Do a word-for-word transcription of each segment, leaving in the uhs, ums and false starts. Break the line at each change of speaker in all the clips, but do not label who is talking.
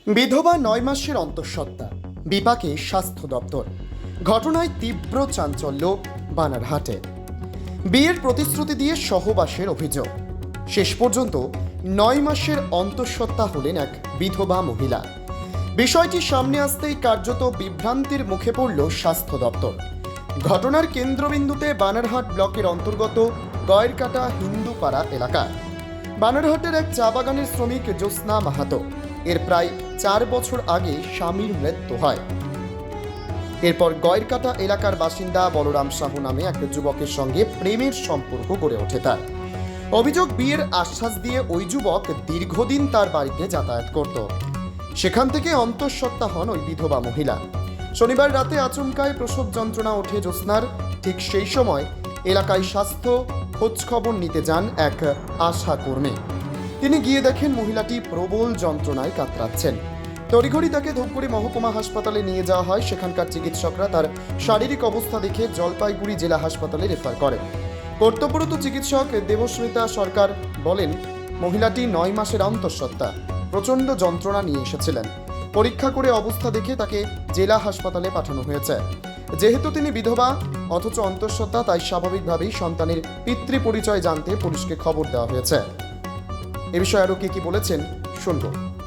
বিধবা নয় মাসের অন্তঃসত্ত্বা, বিপাকে স্বাস্থ্য দপ্তর। ঘটনায় তীব্র চাঞ্চল্য বানারহাটে। বিয়ের প্রতিশ্রুতি দিয়ে সহবাসের অভিযোগ। শেষ পর্যন্ত নয় মাসের অন্তঃসত্ত্বা হলেন এক বিধবা মহিলা। বিষয়টি সামনে আসতেই কার্যত বিভ্রান্তির মুখে পড়ল স্বাস্থ্য দপ্তর। ঘটনার কেন্দ্রবিন্দুতে বানারহাট ব্লকের অন্তর্গত গয়েরকাটা হিন্দুপাড়া এলাকা। বানারহাটের এক চা বাগানের শ্রমিক জ্যোৎস্না মাহাতো এর প্রায় চার বছর আগে স্বামীর মৃত্যু হয়। এরপর গয়েরকাটা এলাকার বাসিন্দা বলরাম সাহু নামে এক যুবকের সঙ্গে প্রেমের সম্পর্ক গড়ে ওঠে তার। অভিযোগ, বিয়ের আশ্বাস দিয়ে ওই যুবক দীর্ঘদিন তার বাড়িতে যাতায়াত করত। সেখান থেকে অন্তঃসত্ত্বা হন ওই বিধবা মহিলা। শনিবার রাতে আচমকায় প্রসব যন্ত্রণা ওঠে জ্যোৎস্নার। ঠিক সেই সময় এলাকায় স্বাস্থ্য খোঁজ খবর নিতে যান এক আশা কর্মী। তিনি গিয়ে দেখেন মহিলাটি প্রবল যন্ত্রণায় কাতরাচ্ছেন। তড়িঘড়ি তাকে ধূপগুড়ি মহকুমা হাসপাতালে নিয়ে যাওয়া হয়। সেখানকার চিকিৎসকরা তার শারীরিক অবস্থা দেখে জলপাইগুড়ি জেলা হাসপাতালে রেফার করেন। কর্তব্যরত চিকিৎসক দেবস্মিতা সরকার বলেন, মহিলাটি নয় মাসের অন্তঃসত্ত্বা, প্রচণ্ড যন্ত্রণা নিয়ে এসেছিলেন। পরীক্ষা করে অবস্থা দেখে তাকে জেলা হাসপাতালে পাঠানো হয়েছে। যেহেতু তিনি বিধবা অথচ অন্তঃসত্ত্বা, তাই স্বাভাবিকভাবেই সন্তানের পিতৃ পরিচয় জানতে পুলিশকে খবর দেওয়া হয়েছে। এ বিষয়ে আরো কি কি বলেছেন শুনবো।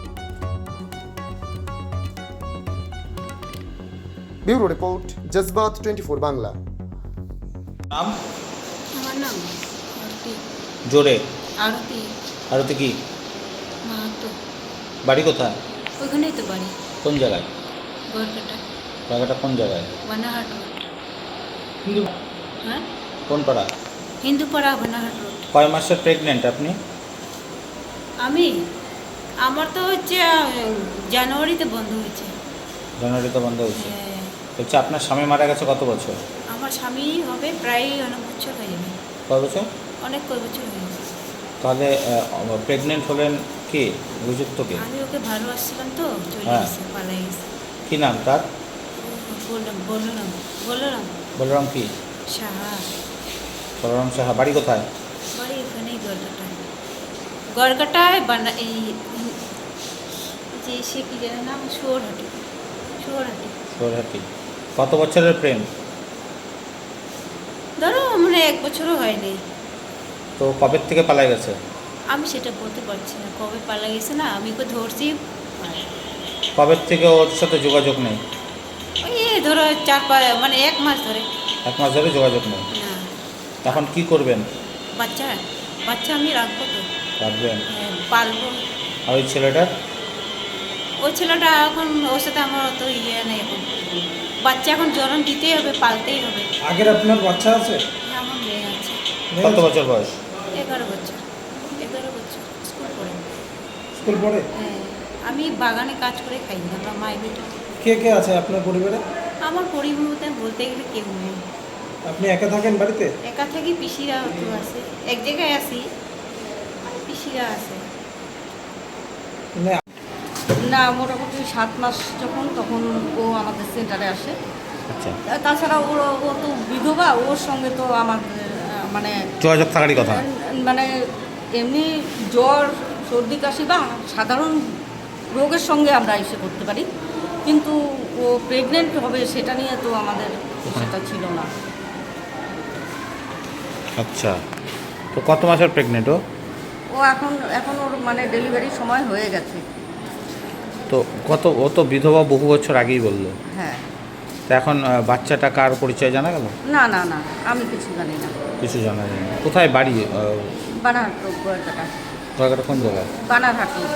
Bureau report, Jazbaat twenty four Bangla.
নাম?
আমার নাম আরতি।
জোরে।
আরতি
আরতি কি?
মাহাতো।
বাড়ি কোথায়?
ওখানেই তো বাড়ি।
কোন জায়গায়?
গড়কাটা।
জায়গাটা কোন জায়গায়?
বানাহাট রোড। হ্যাঁ,
কোন পাড়া?
হিন্দুপাড়া বানাহাট রোড।
কয় মাসের প্রেগনেন্ট আপনি?
আমি আমার তো হচ্ছে আহ, জানুয়ারিতে বন্ধ হয়েছে।
জানুয়ারিতে বন্ধ হয়েছে।
হ্যাঁ,
হচ্ছে আপনার স্বামী মারা গেছে কত বছর?
আমার স্বামী হবে প্রায় অনেক বছর হয়ে যাবে।
কয় বছর?
অনেক কয় বছর হয়ে গেছে।
তাহলে প্রেগনেন্ট হলেন কি? অভিযুক্ত কি?
আমি ওকে ভালোবাসছিলাম তো, চলে
হ্যাঁ।
গেছে, পালাই গেছে।
কি নাম তার?
বললাম বললাম বললাম
বলরাম কি?
সাহা।
বলরাম সাহা। বাড়ি কোথায়?
বাড়ি এখানেই গড়কাটায়। গড়কাটায় বানা এই যে সে কি জানে নাম, শুয়োরহাটি। শুয়োরহাটি
সোরহাটি। কত বছরের প্রেম?
ধরো মানে এক বছরও হয়নি।
তো কবে থেকে পালাই গেছে?
আমি সেটা বলতে পারছি না কবে পালা গেছে। না, আমি ওকে ধরছি
কবে থেকে ওর সাথে যোগাযোগ নেই?
ওই এ ধরো চার পাঁচ মানে এক মাস ধরে।
এক মাস ধরে যোগাযোগ নেই।
না,
এখন কি করবেন?
বাচ্চা বাচ্চা আমি রাখবো তো,
রাখবেন।
হ্যাঁ, পালবো।
আর ওই ছেলেটার?
ওই ছেলেটা এখন ওর সাথে আমার অত ইয়ে নেই। এখন বাচ্চা এখন জন্ম দিতেই হবে, পালতেই হবে।
আগের আপনার বাচ্চা আছে?
হ্যাঁ, আমার মেয়ে আছে।
কত বছর বয়স?
এগারো বছর। এগারো বছর স্কুল পড়ে।
স্কুল পড়ে?
হ্যাঁ, আমি বাগানে কাজ করে খাই। আমরা মাই বেটা।
কে কে আছে আপনার পরিবারে?
আমার পরিবারে বলতে গেলে কেউ নেই।
আপনি একা থাকেন বাড়িতে?
একা থাকি, পিসিরা তো আছে। এক জায়গায় আছি, পিসিরা আছে।
মানে
না, মোটামুটি সাত মাস যখন, তখন ও আমাদের সেন্টারে আসে।
আচ্ছা,
তাছাড়া ওর ও তো বিধবা, ওর সঙ্গে তো আমাদের আহ, মানে
যোগাযোগ থাকারই কথা।
মানে এমনি জ্বর, সর্দি, কাশি বা সাধারণ রোগের সঙ্গে আমরা এসে করতে পারি, কিন্তু ও প্রেগনেন্ট হবে সেটা নিয়ে তো আমাদের সেটা ছিল না।
আচ্ছা, তো কত মাসের প্রেগনেন্ট ও?
ও এখন এখন ওর মানে ডেলিভারির সময় হয়ে গেছে।
তো কত, ও তো বিধবা বহু বছর আগেই বললো।
হ্যাঁ।
তো এখন আহ, বাচ্চাটা কার পরিচয় জানা গেল?
না না না, আমি কিছু জানি না।
কিছু জানা যায় না। কোথায় বাড়ি?
বানারহাট রোড, গড়কাটা।
জায়গাটা কোন জায়গায়?
বানারহাট রোড।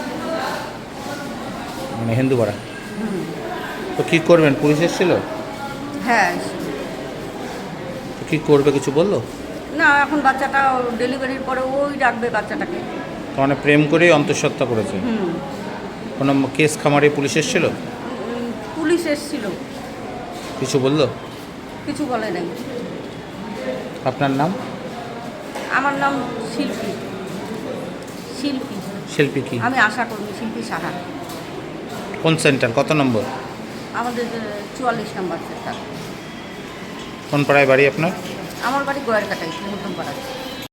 মানে হিন্দুপাড়া।
হুম।
তো কী করবেন? পুলিশ এসেছিল?
হ্যাঁ।
তো কী করবে, কিছু বললো?
না, এখন বাচ্চাটা ডেলিভারির পরে ওই রাখবে বাচ্চাটাকে।
তো মানে প্রেম করেই অন্তঃসত্ত্বা করেছে।
হুম।
কোনো কেস খামারে পুলিশ এসেছিল?
উম, পুলিশ এসেছিল,
কিছু বললো?
কিছু বলে নাই।
আপনার নাম?
আমার নাম শিল্পী। শিল্পী।
শিল্পী কি?
আমি আশা কর্মী, শিল্পী সাহা।
কোন সেন্টার, কত নম্বর?
আমাদের চুয়াল্লিশ নম্বর সেন্টার।
কোন পাড়ায় বাড়ি আপনার?
আমার বাড়ি গয়েরকাটায়, নতুন পাড়ায়।